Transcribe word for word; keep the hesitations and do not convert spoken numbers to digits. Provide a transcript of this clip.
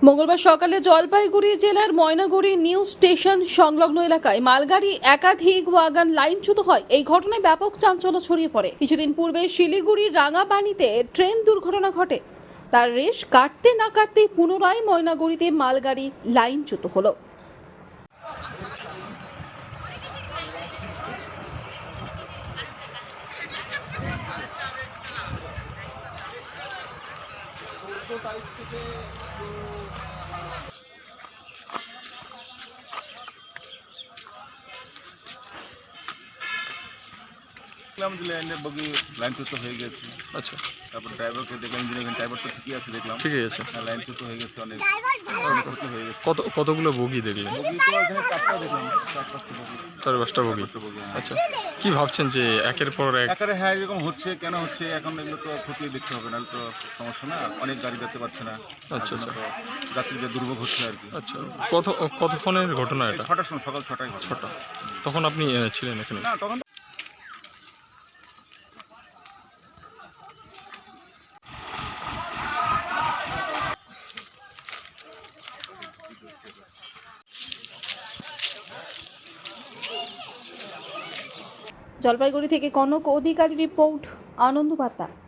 মঙ্গলবার সকালে জলপাইগুড়ি জেলার ময়নাগুড়ি নিউ স্টেশন সংলগ্ন এলাকায় মালগাড়ি একাধিক ওয়াগন লাইনচ্যুত হয়। এই ঘটনায় ব্যাপক চাঞ্চল্য ছড়িয়ে পড়ে। কিছুদিন পূর্বে শিলিগুড়ির রাঙাপানিতে ট্রেন দুর্ঘটনা ঘটে। তার রেশ কাটতে না কাটতেই পুনরায় ময়নাগুড়িতে মালগাড়ি লাইনচ্যুত হলো। দেখলাম যে লাইনের বগি লাইনচ্যুত হয়ে গেছে। আচ্ছা, তারপর ড্রাইভারকে দেখলাম, ইঞ্জিনিয়ার ড্রাইভার তো ঠিকই আছে দেখলাম, ঠিকই আছে। হ্যাঁ, লাইনচ্যুত হয়ে গেছে, অনেক ক্ষতি হয়ে গেছে। কত কতগুলো বগি দেখলেন? বগি তো এখানে চারটা দেখলাম, চার পাঁচটা বগি, চার পাঁচটা বগি। চারটা বগি, হ্যাঁ। আচ্ছা, কি ভাবছেন যে একের পর এক? একারে হ্যাঁ এরকম হচ্ছে, কেন হচ্ছে এখন এগুলো তো খতিয়ে দেখতে হবে, নাহলে তো সমস্যা না, অনেক গাড়ি যেতে পারছে না। আচ্ছা, আচ্ছা। তো যাত্রীদের দুর্ভোগ হচ্ছে আর কি। আচ্ছা, কত কতক্ষণের ঘটনা এটা? ছটার সময়, সকাল ছটায় ঘটনা। ছটা। তখন আপনি আহ, ছিলেন এখানে? না তখন জলপাইগুড়ি থেকে কনক অধিকারী রিপোর্ট, আনন্দ বার্তা।